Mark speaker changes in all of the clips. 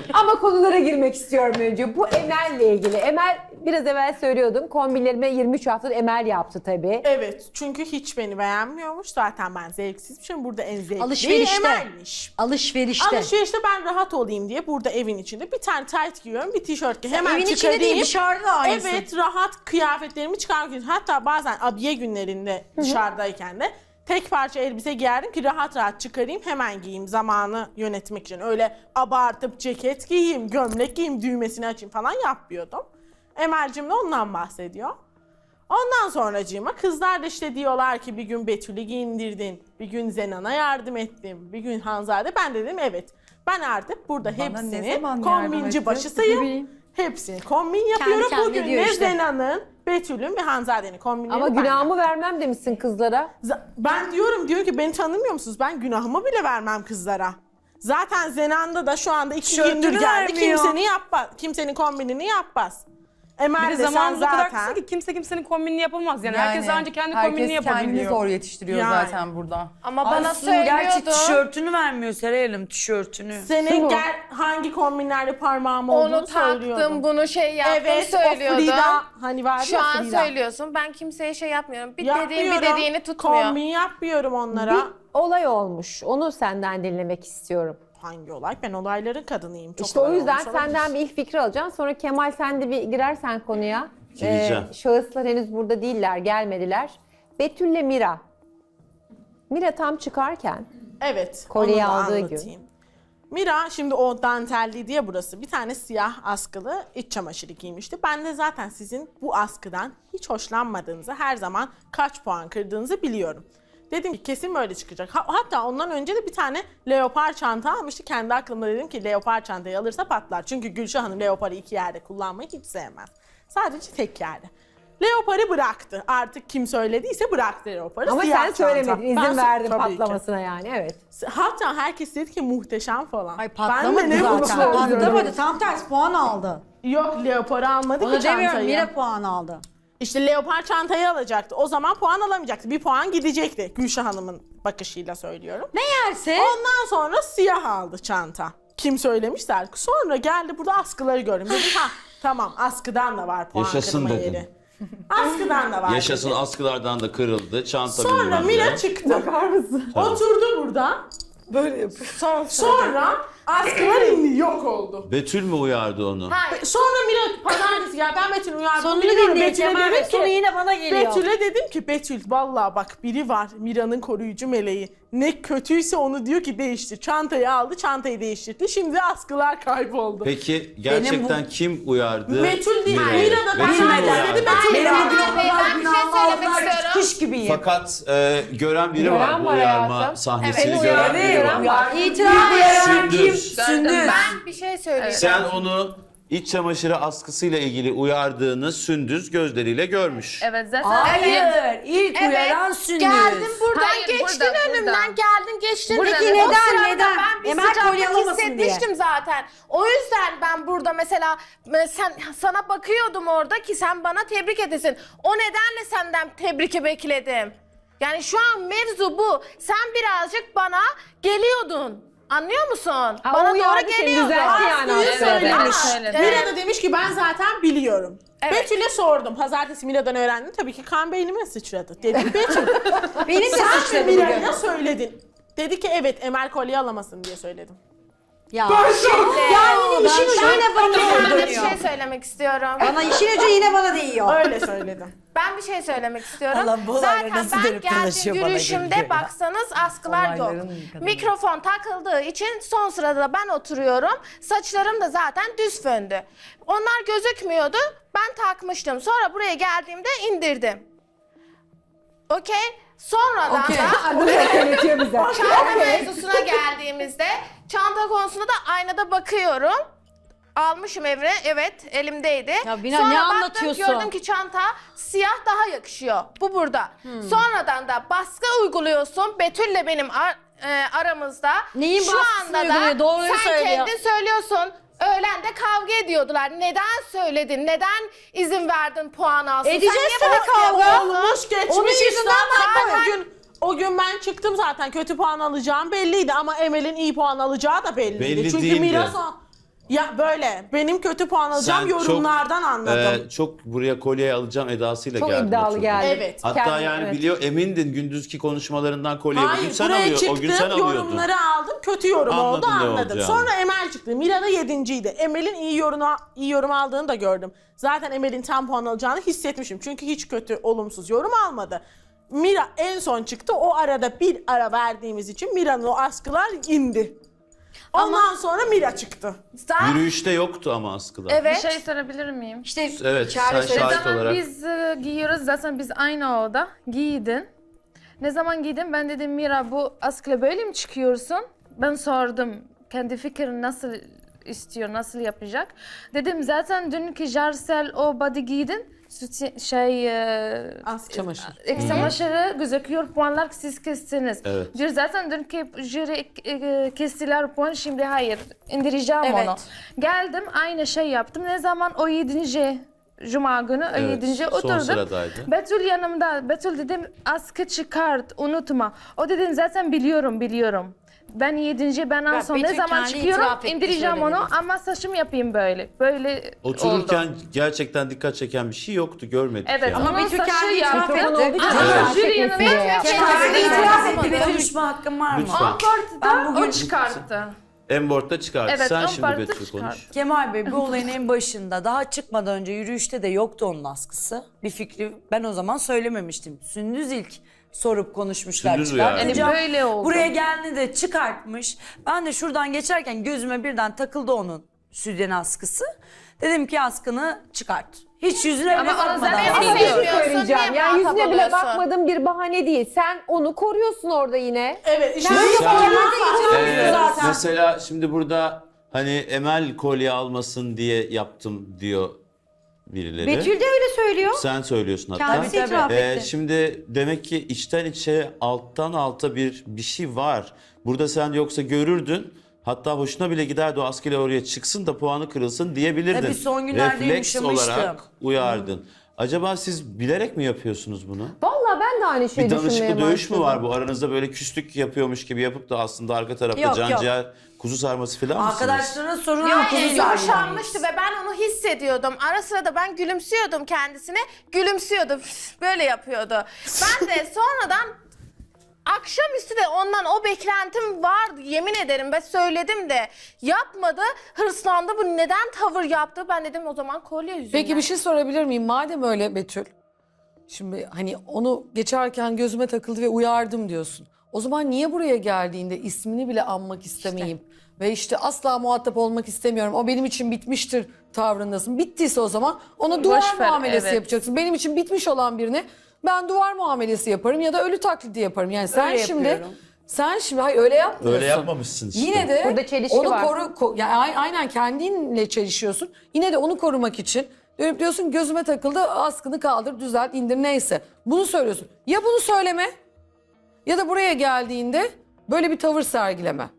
Speaker 1: Ama konulara girmek istiyorum önce. Bu Emel'le ilgili. Emel biraz evvel söylüyordum. Kombinlerime 23 haftadır Emel yaptı tabii.
Speaker 2: Evet, çünkü hiç beni beğenmiyormuş. Zaten ben zevksizmişim. Burada en zevkli
Speaker 3: Alışverişte.
Speaker 2: Emel'miş.
Speaker 3: Alışverişte
Speaker 2: Ben rahat olayım diye burada evin içinde bir tane tight giyiyorum, bir tişört giyiyorum. Hemen
Speaker 3: evin içinde
Speaker 2: çıkarayım.
Speaker 3: değil, dışarıda aynısı.
Speaker 2: Evet, rahat kıyafetlerimi çıkarmak. Hatta bazen abiye günlerinde dışarıdayken de tek parça elbise giyerdim ki rahat rahat çıkarayım, hemen giyeyim zamanı yönetmek için. Öyle abartıp ceket giyeyim, gömlek giyeyim, düğmesini açayım falan yapmıyordum. Emel'cim de ondan bahsediyor. Ondan sonracığıma kızlar da işte diyorlar ki bir gün Betül'ü giyindirdin, bir gün Zenan'a yardım ettim, bir gün Hanzade. Ben de dedim evet, ben artık burada hepsini kombinci başısıyım. Hepsini kombin yapıyorum.
Speaker 3: kendine
Speaker 2: Bugün
Speaker 3: diyor
Speaker 2: de
Speaker 3: işte.
Speaker 2: Günah'ın, Betül'ün ve Hanzade'nin kombinlerini
Speaker 1: Ama
Speaker 2: ben
Speaker 1: günahımı
Speaker 2: yaptım.
Speaker 1: vermem demişsin kızlara.
Speaker 2: Ben diyor ki beni tanımıyor musunuz? Ben günahımı bile vermem kızlara. Zaten Zenan'da da şu anda 2 gündür geldi.
Speaker 4: vermiyor.
Speaker 2: Kimsenin kombinini yapmaz. Emel
Speaker 4: Bir
Speaker 2: de sen
Speaker 4: zamanımız o kadar kısa
Speaker 2: zaten.
Speaker 4: ki kimse kimsenin kombinini yapamaz yani. Herkes ancak kendi kombinini
Speaker 5: Herkes kendini
Speaker 4: yapabiliyor.
Speaker 5: zor yetiştiriyor
Speaker 2: Yani.
Speaker 5: zaten burada.
Speaker 6: Ama bana
Speaker 5: Su gerçi
Speaker 6: söylüyordu.
Speaker 5: tişörtünü vermiyor Seray Hanım, tişörtünü.
Speaker 2: Senin gel hangi kombinlerle parmağım olduğunu
Speaker 6: Onu
Speaker 2: söylüyordum.
Speaker 6: taktım, bunu şey yaptım
Speaker 2: Evet,
Speaker 6: söylüyordum.
Speaker 2: o Frida hani vardı
Speaker 6: Şu
Speaker 2: ya
Speaker 6: an
Speaker 2: Frida.
Speaker 6: söylüyorsun. Ben kimseye şey yapmıyorum. Bir
Speaker 2: Yapmıyorum.
Speaker 6: dediğim bir dediğini tutmuyor.
Speaker 2: Kombin yapmıyorum onlara.
Speaker 1: Bir olay olmuş. Onu senden dinlemek istiyorum.
Speaker 2: Hangi olay? Ben olayların kadınıyım. Çok
Speaker 1: İşte o
Speaker 2: olay
Speaker 1: yüzden
Speaker 2: olmuş olabilir.
Speaker 1: senden bir ilk fikri alacağım. Sonra Kemal sen de bir girersen konuya.
Speaker 7: Gireceğim.
Speaker 1: Şahıslar henüz burada değiller, gelmediler. Betül'le Mira. Mira tam çıkarken
Speaker 2: Evet.
Speaker 1: kolyeyi
Speaker 2: onu da
Speaker 1: aldığı
Speaker 2: anlatayım. Mira şimdi o dantelli diye burası bir tane siyah askılı iç çamaşırı giymişti. Ben de zaten sizin bu askıdan hiç hoşlanmadığınızı, her zaman kaç puan kırdığınızı biliyorum. Dedim ki kesin böyle çıkacak. Hatta ondan önce de bir tane leopar çanta almıştı. Kendi aklımda dedim ki leopar çantayı alırsa patlar. Çünkü Gülşah Hanım leoparı 2 yerde kullanmayı hiç sevmez. Sadece tek yerde. Leoparı bıraktı. Artık kim söylediyse bıraktı leoparı.
Speaker 1: ama
Speaker 2: Siyah
Speaker 1: sen söylemedin,
Speaker 2: çanta.
Speaker 1: izin
Speaker 2: Ben
Speaker 1: verdin
Speaker 2: tabii ki.
Speaker 1: patlamasına yani, evet.
Speaker 2: Hatta herkes dedi ki muhteşem falan.
Speaker 3: Ay patlamadı
Speaker 2: Ben de ne mutlu
Speaker 3: zaten.
Speaker 2: oluyorum.
Speaker 3: Patlamadı. Tam tersi puan aldı.
Speaker 2: Yok leoparı almadı
Speaker 3: Onu
Speaker 2: ki
Speaker 3: demiyorum.
Speaker 2: çantayı.
Speaker 3: Mira puan aldı.
Speaker 2: İşte leopar çantayı alacaktı. O zaman puan alamayacaktı. Bir puan gidecekti. Gülşah Hanım'ın bakışıyla söylüyorum.
Speaker 3: Ne yerse.
Speaker 2: Ondan sonra siyah aldı çanta. Kim söylemişse artık. Sonra geldi burada askıları gördüm. Dedim ha tamam askıdan da var puan
Speaker 7: Yaşasın
Speaker 2: kırma
Speaker 7: dedin.
Speaker 2: yeri. Askıdan da var.
Speaker 7: Yaşasın,
Speaker 2: dedim.
Speaker 7: askılardan da kırıldı. Çanta
Speaker 2: Sonra
Speaker 7: bilmem
Speaker 2: Mira
Speaker 7: ne.
Speaker 2: çıktı.
Speaker 1: Bakar mısın?
Speaker 2: Oturdu burada.
Speaker 5: Böyle yapıyor.
Speaker 2: Sonra askılar indi, yok oldu.
Speaker 7: Betül mü uyardı onu?
Speaker 2: Sonra Mira pazartesi ya ben Betül'ü uyardım.
Speaker 3: Sonunu
Speaker 2: biliyorum.
Speaker 3: dinleyin
Speaker 2: Betül'e
Speaker 3: Kemal Bey.
Speaker 2: dedim ki-
Speaker 3: Sonu yine bana geliyor.
Speaker 2: Betül'e dedim ki Betül vallahi bak biri var Mira'nın koruyucu meleği. Ne kötüyse onu diyor ki değiştir. Çantayı aldı, çantayı değiştirdi. Şimdi askılar kayboldu.
Speaker 7: Peki gerçekten kim uyardı?
Speaker 2: Betül değil,
Speaker 7: Mira'yı?
Speaker 2: Mira da
Speaker 7: Betül mü
Speaker 2: pazartesi
Speaker 7: uyardı?
Speaker 2: dedi Betül.
Speaker 3: Benim
Speaker 2: uyardı.
Speaker 3: bugün o kadar
Speaker 6: Ben bir şey
Speaker 3: günahımı
Speaker 6: söylemek
Speaker 3: aldılar ki
Speaker 6: istiyorum.
Speaker 3: kuş gibiyim.
Speaker 7: Fakat gören biri
Speaker 1: Gören
Speaker 7: var bu
Speaker 1: var
Speaker 7: uyarma
Speaker 1: hayatım.
Speaker 7: sahnesini
Speaker 6: Evet,
Speaker 7: gören biri var.
Speaker 1: var.
Speaker 3: İtiraf eden kim?
Speaker 7: Sündüz.
Speaker 6: Ben bir şey söyleyeyim.
Speaker 7: Sen onu iç çamaşırı askısıyla ilgili uyardığını Sündüz gözleriyle görmüş.
Speaker 5: Evet zaten.
Speaker 3: Hayır. İlk uyaran Sündüz.
Speaker 6: Geldin buradan
Speaker 5: Hayır,
Speaker 6: geçtin
Speaker 5: burada,
Speaker 6: önümden
Speaker 5: burada.
Speaker 6: geldin geçtin.
Speaker 3: Buradaki
Speaker 6: O
Speaker 3: neden,
Speaker 6: sırada
Speaker 3: neden?
Speaker 6: Ben bir
Speaker 3: Emel kolye
Speaker 6: sıcaklık
Speaker 3: alamasın
Speaker 6: hissetmiştim zaten. O yüzden ben burada mesela sana bakıyordum orada ki sen bana tebrik edesin. O nedenle senden tebriki bekledim. Yani şu an mevzu bu. Sen birazcık bana geliyordun. Anlıyor musun?
Speaker 1: Ha,
Speaker 6: bana
Speaker 1: o uyardı
Speaker 6: doğru
Speaker 1: seni,
Speaker 6: geliyordun.
Speaker 1: düzeltti yani
Speaker 2: Aslı'yı
Speaker 1: o sırada.
Speaker 2: söylemiş.
Speaker 6: Evet.
Speaker 2: Mira da demiş ki ben zaten biliyorum.
Speaker 6: Evet.
Speaker 2: Betül'e sordum. Pazartesi Mira'dan öğrendim. Tabii ki kan beynime sıçradı. Dedim Betül
Speaker 3: Benim de
Speaker 2: sen
Speaker 3: sıçradı
Speaker 2: mi
Speaker 3: bugün.
Speaker 2: Mira'ya söyledin? Dedi ki evet Emel kolye alamasın diye söyledim.
Speaker 3: Ya. Yani işin ucu yine bana
Speaker 6: Ben de bir
Speaker 3: dönüyor.
Speaker 6: şey söylemek istiyorum.
Speaker 3: Bana işin ucu yine bana değiyor.
Speaker 2: Öyle söyledim.
Speaker 6: Ben bir şey söylemek istiyorum.
Speaker 5: Allah bu olayları
Speaker 6: Zaten
Speaker 5: nasıl
Speaker 6: ben
Speaker 5: dönüp
Speaker 6: geldiğim
Speaker 5: dolaşıyor bana
Speaker 6: yürüyüşümde
Speaker 5: geliyor ya.
Speaker 6: baksanız askılar yok.
Speaker 5: Olayların kadını.
Speaker 6: Mikrofon takıldığı için son sırada ben oturuyorum. Saçlarım da zaten düz föndü. Onlar gözükmüyordu. Ben takmıştım. Sonra buraya geldiğimde indirdim. Okey. Sonradan da
Speaker 1: Adını da söyletiyor bize.
Speaker 6: çanta mevzusuna geldiğimizde çanta konusunda da aynada bakıyorum. Almışım eve, evet elimdeydi.
Speaker 3: Ya Bina,
Speaker 6: Sonra
Speaker 3: ne
Speaker 6: baktım,
Speaker 3: anlatıyorsun?
Speaker 6: gördüm ki çanta siyah daha yakışıyor. Bu burada. Sonradan da baskı uyguluyorsun. Betül'le benim aramızda.
Speaker 3: Neyin
Speaker 6: Şu
Speaker 3: baskısını
Speaker 6: anda da
Speaker 3: uyguluyor? Doğruyu
Speaker 6: sen
Speaker 3: söylüyor.
Speaker 6: kendin söylüyorsun. Öğlen de kavga ediyordular. Neden söyledin? Neden izin verdin puan alsın?
Speaker 3: Edeceğiz
Speaker 6: Sen niye
Speaker 3: tabii
Speaker 6: bana
Speaker 3: kavga.
Speaker 6: yapıyorsun?
Speaker 2: Olmuş geçmiş
Speaker 3: Onun
Speaker 2: işte.
Speaker 3: yüzünden
Speaker 2: Ama o gün ben çıktım zaten kötü puan alacağım belliydi ama Emel'in iyi puan alacağı da belliydi.
Speaker 7: Belli
Speaker 2: Çünkü
Speaker 7: değildi.
Speaker 2: Mira Ya böyle benim kötü puan alacağım
Speaker 7: Sen çok,
Speaker 2: yorumlardan anladım.
Speaker 7: çok buraya kolye alacağım edasıyla
Speaker 1: Çok
Speaker 7: geldin.
Speaker 1: iddialı
Speaker 7: oturdun.
Speaker 1: geldi.
Speaker 2: Evet.
Speaker 7: Hatta
Speaker 1: Kendi-
Speaker 7: yani
Speaker 1: evet.
Speaker 7: biliyor emindin gündüzki konuşmalarından kolyeyi bugün
Speaker 2: Hayır
Speaker 7: sen
Speaker 2: buraya
Speaker 7: alıyordun.
Speaker 2: çıktım
Speaker 7: O gün sen alıyordun.
Speaker 2: yorumları aldım kötü yorum oldu
Speaker 7: Anladın ne
Speaker 2: anladım.
Speaker 7: olacağını.
Speaker 2: Sonra Emel çıktı. Mira da 7.'ydi. Emel'in iyi yorum aldığını da gördüm. Zaten Emel'in tam puan alacağını hissetmişim. Çünkü hiç kötü olumsuz yorum almadı. Mira en son çıktı. O arada bir ara verdiğimiz için Mira'nın o askılar indi. Ondan sonra Mira çıktı.
Speaker 7: Yürüyüşte yoktu ama askılar.
Speaker 6: Evet.
Speaker 3: Bir şey sorabilir miyim?
Speaker 8: İşte
Speaker 7: Evet
Speaker 8: Çağrı
Speaker 7: sen
Speaker 8: söyledi
Speaker 7: şahit
Speaker 3: Zaman
Speaker 7: olarak.
Speaker 3: biz giyiyoruz zaten biz aynı oda giydin. Ne zaman giydin ben dedim Mira bu askıyla böyle mi çıkıyorsun? Ben sordum kendi fikrini nasıl istiyor, nasıl yapacak. Dedim zaten dünkü Jarsel o body giydin.
Speaker 1: Çamaşır.
Speaker 3: Ek çamaşırı gözüküyor puanlar siz kestiniz.
Speaker 7: Evet.
Speaker 3: Diyor zaten dünkü jüri kestiler puan şimdi hayır indireceğim
Speaker 8: Evet.
Speaker 3: onu. Geldim aynı şey yaptım. Ne zaman o 7. Cuma günü o
Speaker 7: Evet,
Speaker 3: 7.
Speaker 7: son
Speaker 3: oturdum.
Speaker 7: sıradaydı.
Speaker 3: Betül yanımda. Betül dedim askı çıkart unutma. O dedim zaten biliyorum. Ben 7. ben en son ne
Speaker 8: Betül
Speaker 3: zaman
Speaker 8: kendi
Speaker 3: çıkıyorum
Speaker 8: itiraf etti,
Speaker 3: indireceğim
Speaker 8: söyledi.
Speaker 3: onu ama saçımı yapayım böyle. Böyle
Speaker 7: Otururken
Speaker 3: oldu.
Speaker 7: gerçekten dikkat çeken bir şey yoktu görmedik
Speaker 3: Evet
Speaker 7: yani.
Speaker 3: ama
Speaker 8: Betül
Speaker 3: saçı
Speaker 8: kendi itiraf
Speaker 3: yaptı.
Speaker 8: etti.
Speaker 1: Olduğu için
Speaker 3: Ama
Speaker 1: jüri
Speaker 3: jüri
Speaker 1: yanında.
Speaker 3: yanında
Speaker 8: Kendi itiraf etti.
Speaker 5: Bir konuşma hakkım var mı?
Speaker 7: Lütfen.
Speaker 3: Amport'ta
Speaker 5: bugün-
Speaker 3: o çıkarttı.
Speaker 7: Embort'ta çıkarttı.
Speaker 3: Evet,
Speaker 7: Sen şimdi
Speaker 3: Embort'ta
Speaker 7: Betül
Speaker 3: çıkarttı.
Speaker 7: konuş.
Speaker 5: Kemal Bey bu olayın en başında daha çıkmadan önce yürüyüşte de yoktu onun askısı. Bir fikri ben o zaman söylememiştim. Sündüz ilk sorup konuşmuşlar.
Speaker 7: Sündüz uyardı.
Speaker 5: çıkartacağım.
Speaker 3: Yani böyle oldu.
Speaker 5: Buraya geldi de çıkartmış. Ben de şuradan geçerken gözüme birden takıldı onun sütyen askısı. Dedim ki askını çıkart. Hiç yüzüne bile
Speaker 3: Ama
Speaker 5: bakmadan.
Speaker 3: zaten
Speaker 1: Ama
Speaker 3: Ama
Speaker 1: bir şey
Speaker 6: sevmiyorsun,
Speaker 1: söyleyeceğim.
Speaker 6: niye
Speaker 1: Yani yüzüne
Speaker 6: muhatap
Speaker 1: bile
Speaker 6: oluyorsun?
Speaker 1: bakmadığın bir bahane değil. Sen onu koruyorsun orada yine.
Speaker 2: Evet işte
Speaker 7: Mesela şimdi burada hani Emel kolye almasın diye yaptım diyor birileri.
Speaker 8: Betül de öyle söylüyor.
Speaker 7: Sen söylüyorsun hatta.
Speaker 8: Kendisi itiraf etti.
Speaker 7: Şimdi demek ki içten içe alttan alta bir şey var. Burada sen yoksa görürdün. Hatta hoşuna bile giderdi o askıyla oraya çıksın da puanı kırılsın diyebilirdin.
Speaker 5: Tabii son günlerde
Speaker 7: Refleks
Speaker 5: yumuşamıştım.
Speaker 7: olarak uyardın. Acaba siz bilerek mi yapıyorsunuz bunu?
Speaker 1: Vallahi ben de aynı şeyi
Speaker 7: Bir
Speaker 1: düşünmeye
Speaker 7: danışıklı dövüş mü
Speaker 1: başladım.
Speaker 7: var bu? Aranızda böyle küslük yapıyormuş gibi yapıp da aslında arka tarafta
Speaker 5: Yok,
Speaker 7: can
Speaker 5: yok.
Speaker 7: ciğer kuzu sarması falan mısınız?
Speaker 5: Arkadaşlarına sorun
Speaker 6: Yani
Speaker 5: kuzu
Speaker 6: yumuşanmıştı ve ben onu hissediyordum. Ara sıra da ben gülümsüyordum kendisine. Gülümsüyordu. Böyle yapıyordu. Ben de sonradan akşamüstü de ondan o beklentim vardı. Yemin ederim ben söyledim de yapmadı. Hırslandı. Bu neden tavır yaptı? Ben dedim o zaman kolye yüzünden.
Speaker 9: Peki bir şey sorabilir miyim? Madem öyle Betül, şimdi hani onu geçerken gözüme takıldı ve uyardım diyorsun. O zaman niye buraya geldiğinde ismini bile anmak istemeyeyim? Ve işte asla muhatap olmak istemiyorum. O benim için bitmiştir tavrındasın. Bittiyse o zaman ona duvar
Speaker 3: Boş ver,
Speaker 9: muamelesi
Speaker 3: evet.
Speaker 9: yapacaksın. Benim için bitmiş olan birine ben duvar muamelesi yaparım ya da ölü taklidi yaparım. Yani sen
Speaker 5: Öyle
Speaker 9: şimdi
Speaker 5: yapıyorum.
Speaker 9: hayır öyle yapmıyorsun.
Speaker 7: Öyle yapmamışsın işte.
Speaker 9: Yine de
Speaker 1: Burada çelişki
Speaker 9: onu
Speaker 1: var.
Speaker 9: yani aynen kendinle çelişiyorsun. Yine de onu korumak için dönüp diyorsun gözüme takıldı askını kaldır düzelt indir neyse. Bunu söylüyorsun. Ya bunu söyleme ya da buraya geldiğinde böyle bir tavır sergileme.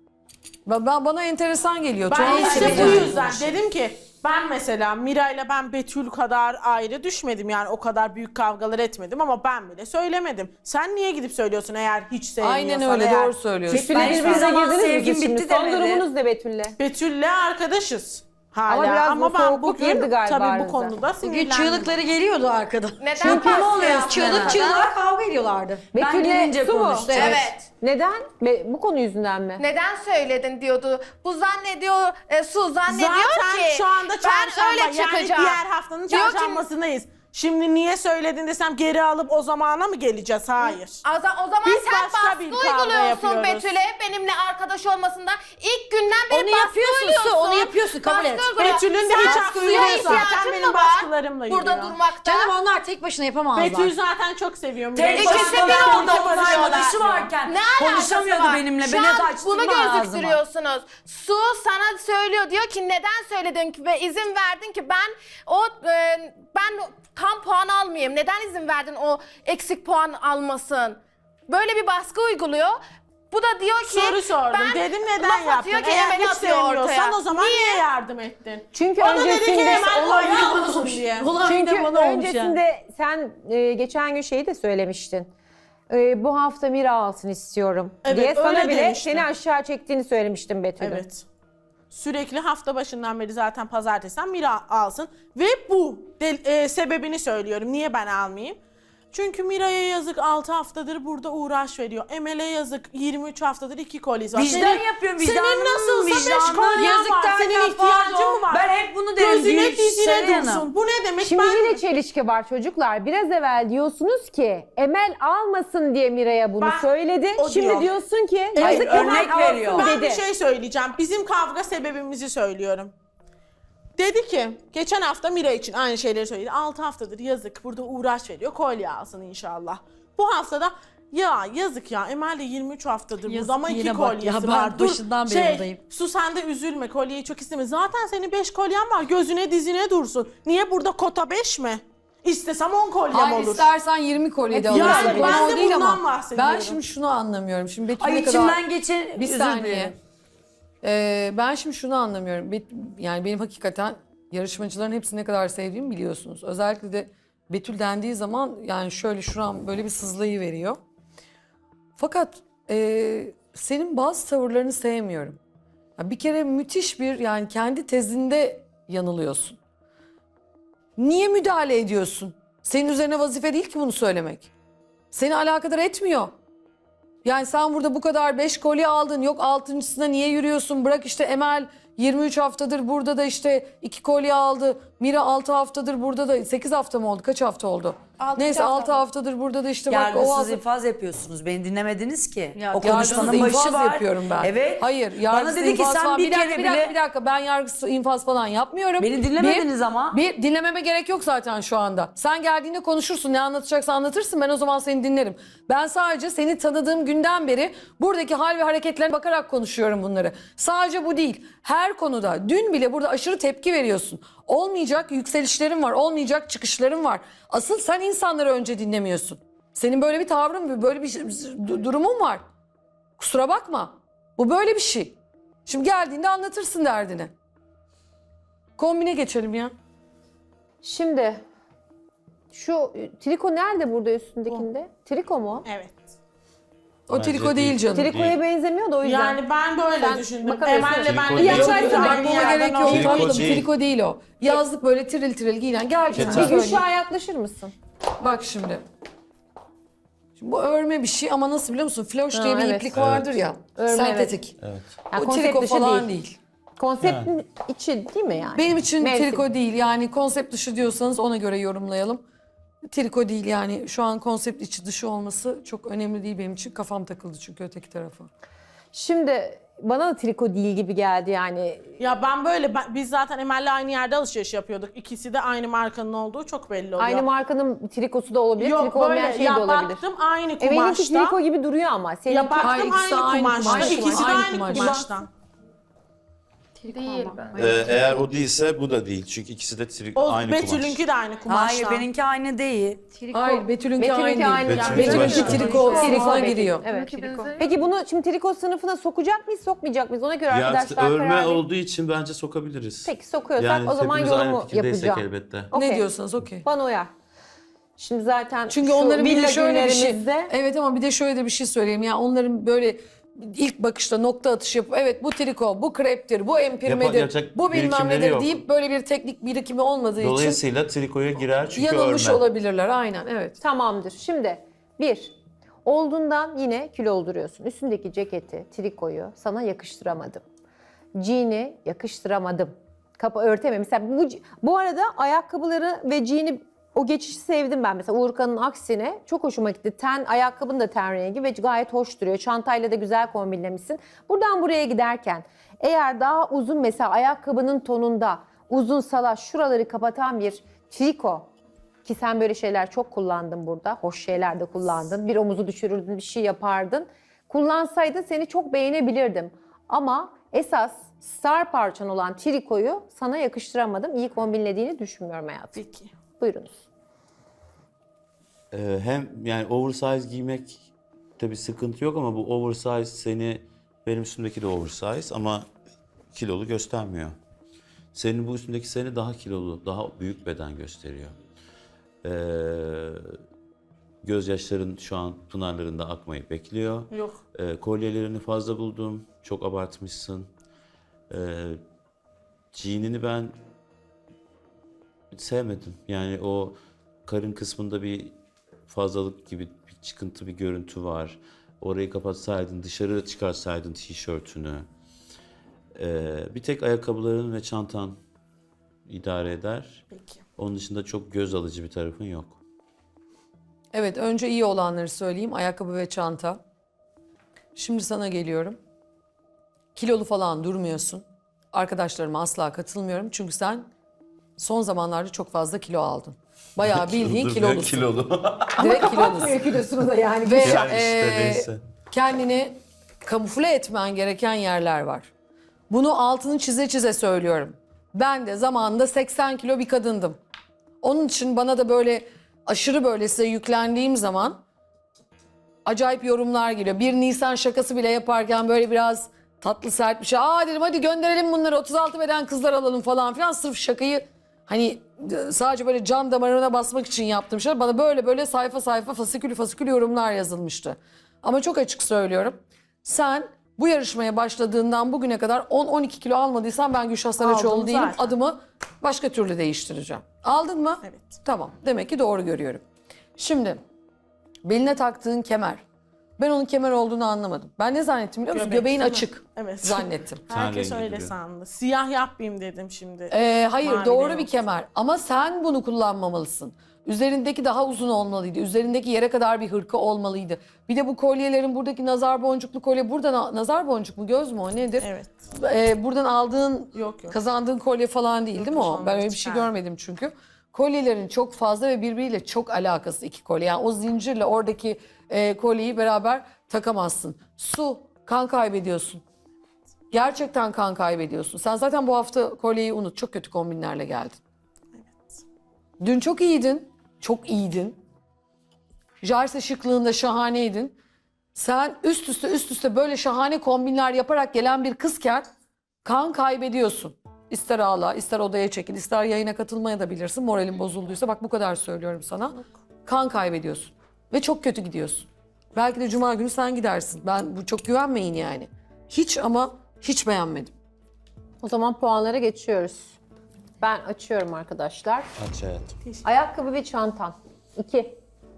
Speaker 9: Bana enteresan geliyor.
Speaker 2: Ben
Speaker 9: Çok
Speaker 2: işte bu
Speaker 9: seveceğim.
Speaker 2: yüzden dedim ki ben mesela Mira ile ben Betül kadar ayrı düşmedim yani o kadar büyük kavgalar etmedim ama ben bile söylemedim. Sen niye gidip söylüyorsun eğer hiç sevmiyorsan
Speaker 9: Aynen öyle
Speaker 2: eğer.
Speaker 9: doğru söylüyorsun.
Speaker 1: Betül'le
Speaker 5: Ben hiçbir
Speaker 1: birbirinize
Speaker 5: zaman
Speaker 1: girdiniz mi
Speaker 5: sevgim
Speaker 1: siz şimdi?
Speaker 5: bitti
Speaker 1: Son
Speaker 5: demedi.
Speaker 1: durumunuz ne Betül'le?
Speaker 2: Betül'le arkadaşız hala
Speaker 1: Ama biraz
Speaker 2: ama
Speaker 1: bu
Speaker 2: ben
Speaker 1: soğukluk
Speaker 2: bugün
Speaker 1: girdi galiba
Speaker 2: tabii bu
Speaker 1: aranıza.
Speaker 2: konuda
Speaker 8: Bugün
Speaker 2: sinirlendim.
Speaker 8: çığlıkları geliyordu arkadan.
Speaker 6: Neden baskı yaptı?
Speaker 8: Çığlık çığlığa kavga ediyorlardı.
Speaker 1: Betül'le
Speaker 5: gelince
Speaker 1: su mu?
Speaker 5: konuştu,
Speaker 6: Evet.
Speaker 1: Neden? Bu konu yüzünden mi?
Speaker 6: Neden söyledin diyordu. Bu zannediyor, Su zannediyor
Speaker 2: Zaten
Speaker 6: ki
Speaker 2: şu anda
Speaker 6: ben
Speaker 2: çarşamba
Speaker 6: öyle
Speaker 2: yani
Speaker 6: çıkacağım.
Speaker 2: diğer haftanın
Speaker 6: Diyor ki-
Speaker 2: çarşambasındayız. Şimdi niye söyledin desem geri alıp o zamana mı geleceğiz? Hayır.
Speaker 6: O zaman
Speaker 2: Biz
Speaker 6: sen
Speaker 2: başka
Speaker 6: baskı
Speaker 2: bir kavga
Speaker 6: uyguluyorsun
Speaker 2: yapıyoruz.
Speaker 6: Betül'e benimle arkadaş olmasından. İlk günden beri
Speaker 8: Onu
Speaker 6: baskı
Speaker 8: yapıyorsun,
Speaker 6: uyguluyorsun.
Speaker 8: Su, onu yapıyorsun, kabul et.
Speaker 6: Baskı uyguluyorsun.
Speaker 2: Betül'ün de
Speaker 6: Sen
Speaker 2: hiç hakkı
Speaker 6: suya
Speaker 2: yok.
Speaker 6: ihtiyacın
Speaker 2: Zaten
Speaker 6: mı
Speaker 2: benim
Speaker 6: var
Speaker 2: baskılarımla
Speaker 6: burada
Speaker 2: yürüyor.
Speaker 6: durmakta.
Speaker 8: Canım onlar tek başına yapamazlar.
Speaker 2: Betül zaten çok seviyorum.
Speaker 5: Tek
Speaker 6: İkisi
Speaker 5: başına
Speaker 6: bir
Speaker 5: ben
Speaker 6: oldu,
Speaker 5: orada
Speaker 6: konuşuyorlar.
Speaker 5: arkadaşı varken
Speaker 6: Ne alakası
Speaker 5: konuşamıyordu
Speaker 6: var?
Speaker 5: benimle.
Speaker 6: Şu
Speaker 5: Beni
Speaker 6: an
Speaker 5: kaçtırma
Speaker 6: bunu
Speaker 5: ağzıma.
Speaker 6: gözüktürüyorsunuz. Su sana söylüyor diyor ki neden söyledin ki ve izin verdin ki ben tam puan almayayım. Neden izin verdin o eksik puan almasın? Böyle bir baskı uyguluyor. Bu da diyor ki
Speaker 2: Soru sordum.
Speaker 6: ben
Speaker 2: Dedim neden
Speaker 6: laf
Speaker 2: yaptın?
Speaker 6: atıyor ki
Speaker 2: Eğer
Speaker 6: Emel'i
Speaker 2: hiç
Speaker 6: atıyor
Speaker 2: sevmiyorsan
Speaker 6: ortaya.
Speaker 2: o zaman niye yardım ettin?
Speaker 1: Çünkü
Speaker 2: O da dedi ki
Speaker 1: öncesinde
Speaker 2: Emel oynayalım diye.
Speaker 1: Çünkü
Speaker 8: bana olmuş
Speaker 1: öncesinde sen geçen gün şeyi de söylemiştin. Bu hafta Mira alsın istiyorum
Speaker 2: Evet,
Speaker 1: diye sana
Speaker 2: öyle
Speaker 1: bile
Speaker 2: demiştim.
Speaker 1: seni aşağı çektiğini söylemiştim Betül'ün.
Speaker 2: Evet. Sürekli hafta başından beri zaten pazartesiden Mira alsın. Ve bu sebebini söylüyorum. Niye ben almayayım? Çünkü Mira'ya yazık 6 haftadır burada uğraş veriyor. Emel'e yazık 23 haftadır 2 kolyesi var.
Speaker 5: Vicdan yapıyorum,
Speaker 2: Senin
Speaker 5: vicdanım,
Speaker 2: nasılsa 5
Speaker 5: vicdanım.
Speaker 2: kolyen
Speaker 5: Yazık
Speaker 2: var.
Speaker 5: derken
Speaker 2: Senin ihtiyacın
Speaker 5: pardon.
Speaker 2: mı var?
Speaker 5: Ben hep bunu derim,
Speaker 2: Gözüne
Speaker 5: Gülşen
Speaker 2: dizine
Speaker 5: Hanım.
Speaker 2: dursun. Bu ne demek?
Speaker 1: Şimdi
Speaker 2: ben
Speaker 1: yine çelişki var çocuklar. Biraz evvel diyorsunuz ki Emel almasın diye Mira'ya bunu
Speaker 2: Ben-
Speaker 1: söyledi.
Speaker 2: o
Speaker 1: Şimdi
Speaker 2: diyor.
Speaker 1: diyorsun ki
Speaker 5: Hayır,
Speaker 1: yazık
Speaker 5: örnek
Speaker 1: Emel alsın
Speaker 5: veriyor.
Speaker 2: Ben
Speaker 1: dedi.
Speaker 2: bir şey söyleyeceğim. Bizim kavga sebebimizi söylüyorum. Dedi ki geçen hafta Mira için aynı şeyleri söyledi. 6 haftadır yazık burada uğraş veriyor. Kolye alsın inşallah. Bu haftada ya yazık ya Emel de 23 haftadır burada
Speaker 8: Yazık,
Speaker 2: ama 2
Speaker 8: yine bak
Speaker 2: kolyesi
Speaker 8: ya, ben
Speaker 2: var.
Speaker 8: başından beri buradayım.
Speaker 2: Su sen de üzülme kolyeyi çok isteme. Zaten senin 5 kolyen var gözüne dizine dursun. Niye burada kota 5 mi? İstesem 10 kolyem
Speaker 9: Hayır,
Speaker 2: olur.
Speaker 9: istersen 20 kolye de
Speaker 2: Yani
Speaker 9: alırsın.
Speaker 2: ben
Speaker 9: Konu o
Speaker 2: de
Speaker 9: değil
Speaker 2: bundan
Speaker 9: ama
Speaker 2: bahsediyorum.
Speaker 9: ben şimdi şunu anlamıyorum. Şimdi Betül
Speaker 5: Ay
Speaker 9: ne kadar...
Speaker 5: içimden geçen
Speaker 9: Bir
Speaker 5: özür
Speaker 9: saniye.
Speaker 5: dilerim.
Speaker 9: Ben şimdi şunu anlamıyorum. Yani benim hakikaten yarışmacıların hepsini ne kadar sevdiğimi biliyorsunuz. Özellikle de Betül dendiği zaman yani şöyle şuram böyle bir sızlayı veriyor. Fakat senin bazı tavırlarını sevmiyorum. Ya bir kere müthiş bir yani kendi tezinde yanılıyorsun. Niye müdahale ediyorsun? Senin üzerine vazife değil ki bunu söylemek. Seni alakadar etmiyor. Yani sen burada bu kadar 5 kolye aldın. Yok 6.sına niye yürüyorsun? Bırak işte Emel 23 haftadır burada da işte 2 kolye aldı. Mira 6 haftadır burada da 8 hafta mı oldu? Kaç hafta oldu? Neyse 6 haftadır burada da işte bak o
Speaker 5: Yargısız
Speaker 9: hafta...
Speaker 5: infaz yapıyorsunuz. Beni dinlemediniz ki.
Speaker 8: Ya,
Speaker 5: O
Speaker 9: Yargısız
Speaker 5: konuşmanın başı
Speaker 9: infaz
Speaker 5: var.
Speaker 9: yapıyorum ben.
Speaker 5: Evet.
Speaker 9: Hayır,
Speaker 5: Bana
Speaker 9: yargısız
Speaker 5: dedi ki
Speaker 9: infaz
Speaker 5: sen
Speaker 9: falan.
Speaker 5: bir kere bile...
Speaker 9: Bir dakika ben yargısız infaz falan yapmıyorum.
Speaker 5: Beni dinlemediniz ama.
Speaker 9: Bir dinlememe gerek yok zaten şu anda. Sen geldiğinde konuşursun, ne anlatacaksan anlatırsın, ben o zaman seni dinlerim. Ben sadece seni tanıdığım günden beri buradaki hal ve hareketlerine bakarak konuşuyorum bunları. Sadece bu değil. Her konuda dün bile burada aşırı tepki veriyorsun. Olmayacak yükselişlerin var, olmayacak çıkışların var. Asıl sen insanları önce dinlemiyorsun. Senin böyle bir tavrın, böyle bir durumun var. Kusura bakma. Bu böyle bir şey. Şimdi geldiğinde anlatırsın derdini. Kombine geçelim ya.
Speaker 1: Şimdi şu triko nerede burada üstündekinde? Triko mu?
Speaker 2: Evet.
Speaker 9: O
Speaker 7: Bence
Speaker 9: triko değil canım.
Speaker 1: Trikoya benzemiyor da o yüzden.
Speaker 2: Yani ben böyle
Speaker 1: Sen
Speaker 2: düşündüm.
Speaker 1: bakabilirsin.
Speaker 2: Emel'le ben
Speaker 7: Triko
Speaker 2: de
Speaker 7: değil.
Speaker 2: yaşarsın.
Speaker 1: Yok,
Speaker 2: Aynı
Speaker 9: Bakmama
Speaker 2: yerden
Speaker 9: gerek yok.
Speaker 2: oldu.
Speaker 7: Triko
Speaker 9: Tatlım,
Speaker 7: değil.
Speaker 9: triko değil o. Yazlık böyle tiril tiril giyinen. Gel canım.
Speaker 7: Geçen-
Speaker 1: Bir
Speaker 9: söyleyeyim.
Speaker 1: Gülşah'a yaklaşır mısın?
Speaker 9: Bak şimdi. Şimdi bu örme bir şey ama nasıl biliyor musun? Floş
Speaker 1: Ha,
Speaker 9: diye bir
Speaker 1: evet.
Speaker 9: iplik vardır ya.
Speaker 1: Örme,
Speaker 9: sentetik.
Speaker 1: Yani
Speaker 9: O
Speaker 1: konsept
Speaker 9: triko
Speaker 1: dışı
Speaker 9: falan
Speaker 1: değil.
Speaker 9: değil.
Speaker 1: Konseptin içi değil mi yani?
Speaker 9: Benim için
Speaker 1: Mevsim.
Speaker 9: triko değil. Yani konsept dışı diyorsanız ona göre yorumlayalım. Triko değil yani. Şu an konsept içi dışı olması çok önemli değil benim için. Kafam takıldı çünkü öteki tarafa.
Speaker 1: Şimdi bana da triko değil gibi geldi yani.
Speaker 2: Ya ben böyle, biz zaten Emel'le aynı yerde alışveriş yapıyorduk. İkisi de aynı markanın olduğu çok belli oluyor.
Speaker 1: Aynı markanın trikosu da olabilir,
Speaker 2: Yok
Speaker 1: triko olmayan
Speaker 2: böyle,
Speaker 1: şey
Speaker 2: ya
Speaker 1: de olabilir.
Speaker 2: baktım aynı
Speaker 1: Benimki
Speaker 2: kumaşta.
Speaker 1: triko gibi duruyor ama. Seninki...
Speaker 2: Ya baktım
Speaker 9: Hayır, ikisi de
Speaker 2: aynı
Speaker 9: aynı
Speaker 2: kumaşta.
Speaker 9: kumaş.
Speaker 2: İkisi de
Speaker 9: Aynı
Speaker 2: aynı
Speaker 9: kumaş.
Speaker 2: kumaştan.
Speaker 3: Değil ben.
Speaker 7: Eğer o değilse bu da değil. Çünkü ikisi de
Speaker 2: O
Speaker 7: aynı kumaş.
Speaker 2: Betül'ünki de aynı kumaştan.
Speaker 5: Hayır benimki aynı değil.
Speaker 9: Hayır Betül'ünki
Speaker 1: Betül'ünki
Speaker 9: aynı
Speaker 1: aynı.
Speaker 9: değil.
Speaker 7: Betül'ünki
Speaker 9: Betül'ünki
Speaker 7: başka.
Speaker 9: triko
Speaker 1: Triko
Speaker 9: sınıfına
Speaker 1: Betül.
Speaker 9: giriyor.
Speaker 1: Evet.
Speaker 3: Triko.
Speaker 1: Peki bunu şimdi triko sınıfına sokacak mıyız, sokmayacak mıyız? Ona göre
Speaker 7: Ya
Speaker 1: arkadaşlar
Speaker 7: örme
Speaker 1: karar verin.
Speaker 7: olduğu için bence sokabiliriz.
Speaker 1: Peki sokuyorsak
Speaker 7: Yani
Speaker 1: o zaman
Speaker 7: hepimiz aynı
Speaker 1: yorumu
Speaker 7: fikirdeysek
Speaker 1: yapacağım.
Speaker 7: elbette.
Speaker 1: Okey.
Speaker 9: Ne diyorsanız okey.
Speaker 1: Bana uyar. Şimdi zaten
Speaker 9: Çünkü
Speaker 1: şu
Speaker 9: onların bir de
Speaker 1: villa
Speaker 9: şöyle bir şey.
Speaker 1: günlerimizde-
Speaker 9: Evet ama bir de şöyle de bir şey söyleyeyim. Yani onların böyle ilk bakışta nokta atışı yapıp evet bu triko, bu kreptir, bu empirmedir,
Speaker 7: yapacak
Speaker 9: bu bilmem
Speaker 7: birikimleri
Speaker 9: nedir
Speaker 7: yok.
Speaker 9: deyip böyle bir teknik birikimi olmadığı için
Speaker 7: Dolayısıyla trikoya girer çünkü
Speaker 9: yanılmış
Speaker 7: örme.
Speaker 9: olabilirler. Aynen evet.
Speaker 1: Tamamdır. Şimdi bir, olduğundan yine kilo olduruyorsun. Üstündeki ceketi, trikoyu sana yakıştıramadım. Jean'i yakıştıramadım. Kapı örtemem. Mesela bu arada ayakkabıları ve jean'i o geçişi sevdim ben. Mesela Uğurkan'ın aksine çok hoşuma gitti. Ayakkabın da ten rengi ve gayet hoş duruyor. Çantayla da güzel kombinlemişsin. Buradan buraya giderken eğer daha uzun mesela ayakkabının tonunda uzun salaş şuraları kapatan bir triko ki sen böyle şeyler çok kullandın burada. Hoş şeyler de kullandın. Bir omuzu düşürürdün, bir şey yapardın. Kullansaydın seni çok beğenebilirdim. Ama esas star parçan olan trikoyu sana yakıştıramadım. İyi kombinlediğini düşünmüyorum hayatım.
Speaker 2: Peki.
Speaker 1: Buyurunuz.
Speaker 7: Hem yani oversize giymek tabii sıkıntı yok ama bu oversize benim üstümdeki de oversize ama kilolu göstermiyor. Senin bu üstündeki seni daha kilolu, daha büyük beden gösteriyor. Gözyaşların şu an pınarlarında akmayı bekliyor.
Speaker 2: Yok.
Speaker 7: Kolyelerini fazla buldum, çok abartmışsın. Jean'ini ben sevmedim. Yani o karın kısmında bir fazlalık gibi bir çıkıntı, bir görüntü var. Orayı kapatsaydın, dışarı çıkarsaydın tişörtünü. Bir tek ayakkabıların ve çantan idare eder.
Speaker 2: Peki.
Speaker 7: Onun dışında çok göz alıcı bir tarafın yok.
Speaker 9: Evet, önce iyi olanları söyleyeyim. Ayakkabı ve çanta. Şimdi sana geliyorum. Kilolu falan durmuyorsun. Arkadaşlarıma asla katılmıyorum. Çünkü sen son zamanlarda çok fazla kilo aldın. Bayağı bildiğin kilolusun.
Speaker 7: Kilolu.
Speaker 9: Direkt kilolusun.
Speaker 1: Kilosunu da yani.
Speaker 9: Ve
Speaker 7: Yani işte neyse.
Speaker 9: kendini kamufle etmen gereken yerler var. Bunu altını çize çize söylüyorum. Ben de zamanında 80 kilo bir kadındım. Onun için bana da böyle aşırı böyle size yüklendiğim zaman acayip yorumlar geliyor. Bir Nisan şakası bile yaparken böyle biraz tatlı sert bir şey. Aa dedim hadi gönderelim bunları 36 beden kızlar alalım falan filan. Sırf şakayı hani sadece böyle can damarına basmak için yaptığım şeyler. Bana böyle böyle sayfa sayfa fasikül yorumlar yazılmıştı. Ama çok açık söylüyorum. Sen bu yarışmaya başladığından bugüne kadar 10-12 kilo almadıysan ben Gülşah Saraçoğlu
Speaker 2: Aldım
Speaker 9: değilim.
Speaker 2: zaten.
Speaker 9: Adımı başka türlü değiştireceğim. Aldın mı?
Speaker 2: Evet.
Speaker 9: Tamam. Demek ki doğru görüyorum. Şimdi beline taktığın kemer. Ben onun kemer olduğunu anlamadım. Ben ne zannettim biliyor musun?
Speaker 2: Göbek,
Speaker 9: Göbeğin
Speaker 2: değil mi?
Speaker 9: açık
Speaker 2: Evet.
Speaker 9: zannettim.
Speaker 2: Herkes
Speaker 7: rengi
Speaker 2: öyle
Speaker 7: duruyor.
Speaker 2: sandı. Siyah yapmayayım dedim şimdi.
Speaker 9: Hayır
Speaker 2: Mavi
Speaker 9: doğru
Speaker 2: de
Speaker 9: bir
Speaker 2: yok.
Speaker 9: kemer ama sen bunu kullanmamalısın. Üzerindeki daha uzun olmalıydı. Üzerindeki yere kadar bir hırka olmalıydı. Bir de bu kolyelerin buradaki nazar boncuklu kolye buradan nazar boncuk mu göz mü o nedir?
Speaker 2: Evet.
Speaker 9: Buradan aldığın
Speaker 2: Yok.
Speaker 9: kazandığın kolye falan değil değil mi o?
Speaker 2: onları
Speaker 9: Ben öyle bir şey
Speaker 2: çıkardım.
Speaker 9: görmedim çünkü. Kolyelerin çok fazla ve birbiriyle çok alakası iki kolye. Yani o zincirle oradaki kolyeyi beraber takamazsın. Su, kan kaybediyorsun. Gerçekten kan kaybediyorsun. Sen zaten bu hafta kolyeyi unut. Çok kötü kombinlerle geldin. Dün çok iyiydin. Çok iyiydin. Jarse şıklığında şahaneydin. Sen üst üste böyle şahane kombinler yaparak gelen bir kızken kan kaybediyorsun. İster ağla, ister odaya çekil, ister yayına katılmaya da bilirsin. Moralin bozulduysa bak bu kadar söylüyorum sana. Kan kaybediyorsun. Ve çok kötü gidiyorsun. Belki de cuma günü sen gidersin. Ben bu çok güvenmeyin yani. Hiç ama hiç beğenmedim.
Speaker 1: O zaman puanlara geçiyoruz. Ben açıyorum arkadaşlar.
Speaker 7: Aç hayatım.
Speaker 1: Ayakkabı ve çantan. 2.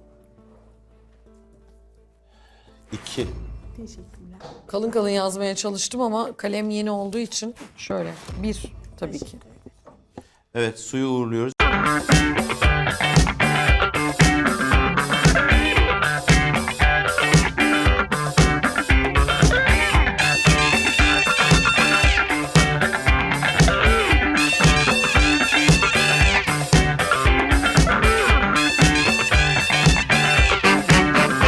Speaker 7: 2.
Speaker 2: Teşekkürler.
Speaker 9: Kalın kalın yazmaya çalıştım ama kalem yeni olduğu için şöyle. 1 tabii ki.
Speaker 7: Evet, suyu uğurluyoruz.